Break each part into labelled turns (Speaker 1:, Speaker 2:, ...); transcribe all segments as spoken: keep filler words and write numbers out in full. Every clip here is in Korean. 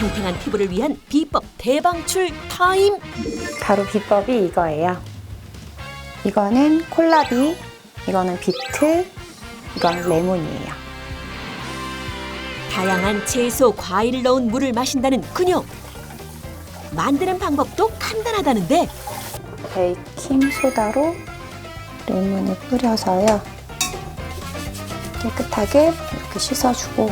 Speaker 1: 탱탱한 피부를 위한 비법 대방출 타임.
Speaker 2: 바로 비법이 이거예요. 이거는 콜라비, 이거는 비트, 이건 레몬이에요.
Speaker 1: 다양한 채소, 과일을 넣은 물을 마신다는 그녀. 만드는 방법도 간단하다는데
Speaker 2: 베이킹 소다로 레몬을 뿌려서요. 깨끗하게 이렇게 씻어주고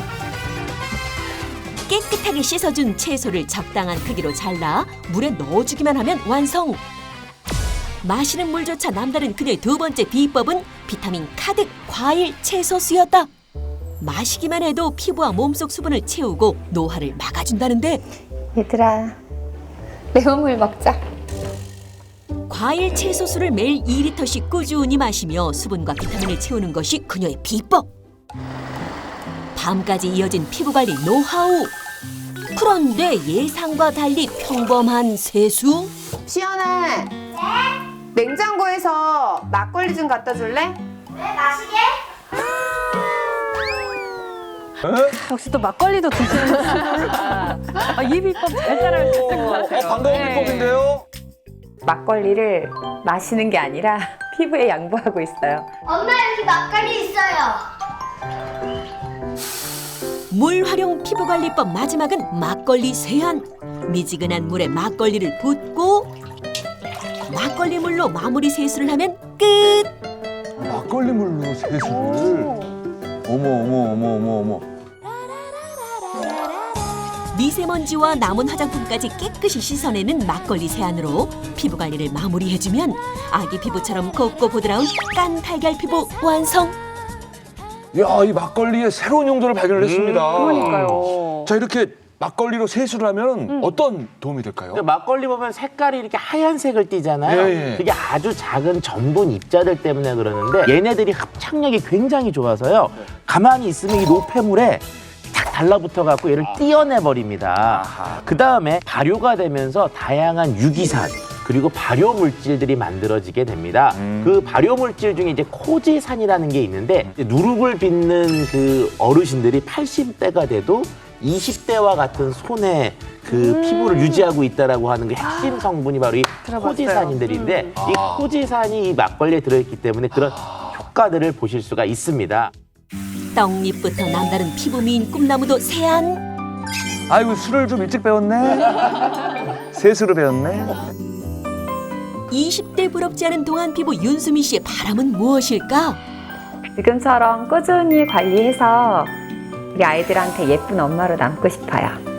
Speaker 1: 깨끗하게 씻어준 채소를 적당한 크기로 잘라 물에 넣어주기만 하면 완성. 마시는 물조차 남다른 그녀의 두 번째 비법은 비타민 가득 과일 채소 수였다. 마시기만 해도 피부와 몸속 수분을 채우고 노화를 막아준다는데
Speaker 2: 얘들아 레몬물 먹자.
Speaker 1: 과일 채소수를 매일 이 리터씩 꾸준히 마시며 수분과 비타민을 채우는 것이 그녀의 비법. 밤까지 이어진 피부관리 노하우. 그런데 예상과 달리 평범한 세수?
Speaker 2: 시연아, 냉장고에서 막걸리 좀 갖다 줄래?
Speaker 3: 왜 마시게?
Speaker 4: 역시 또 막걸리도 드시는구나. 아, 이 비법 잘 따라할 수 있을 것 같아요.
Speaker 5: 어, 반가운
Speaker 4: 네.
Speaker 5: 비법인데요.
Speaker 2: 막걸리를 마시는 게 아니라 피부에 양보하고 있어요.
Speaker 3: 엄마 여기 막걸리 있어요.
Speaker 1: 물 활용 피부관리법 마지막은 막걸리 세안. 미지근한 물에 막걸리를 붓고 막걸리 물로 마무리 세수를 하면 끝.
Speaker 5: 막걸리 물로 세수를. 어머 어머 어머 어머 어머.
Speaker 1: 미세먼지와 남은 화장품까지 깨끗이 씻어내는 막걸리 세안으로 피부 관리를 마무리해주면 아기 피부처럼 곱고 보드라운 깐 달걀 피부 완성.
Speaker 5: 야, 이 막걸리의 새로운 용도를 발견을 했습니다.
Speaker 4: 그러니까요.
Speaker 5: 자, 이렇게 막걸리로 세수를 하면 어떤 도움이 될까요?
Speaker 6: 근데 막걸리 보면 색깔이 이렇게 하얀색을 띠잖아요.
Speaker 5: 예, 예.
Speaker 6: 그게 아주 작은 전분 입자들 때문에 그러는데 얘네들이 합착력이 굉장히 좋아서요. 가만히 있으면 이 노폐물에 탁 달라붙어 갖고 얘를 띄어내 버립니다. 그 다음에 발효가 되면서 다양한 유기산 그리고 발효 물질들이 만들어지게 됩니다.
Speaker 5: 음.
Speaker 6: 그 발효 물질 중에 이제 코지산이라는 게 있는데 누룩을 빚는 그 어르신들이 팔십 대가 돼도 이십 대와 같은 손의 그
Speaker 4: 음.
Speaker 6: 피부를 유지하고 있다라고 하는 그 핵심 성분이 바로 이
Speaker 4: 들어봤어요.
Speaker 6: 코지산인들인데
Speaker 4: 음.
Speaker 6: 이
Speaker 5: 아.
Speaker 6: 코지산이 이 막걸리에 들어있기 때문에 그런 효과들을 보실 수가 있습니다.
Speaker 1: 떡잎부터 남다른 피부 미인 꿈나무도 세안.
Speaker 5: 아이고, 술을 좀 일찍 배웠네. 세수를 배웠네.
Speaker 1: 이십 대 부럽지 않은 동안 피부 윤수미 씨의 바람은 무엇일까?
Speaker 2: 지금처럼 꾸준히 관리해서 우리 아이들한테 예쁜 엄마로 남고 싶어요.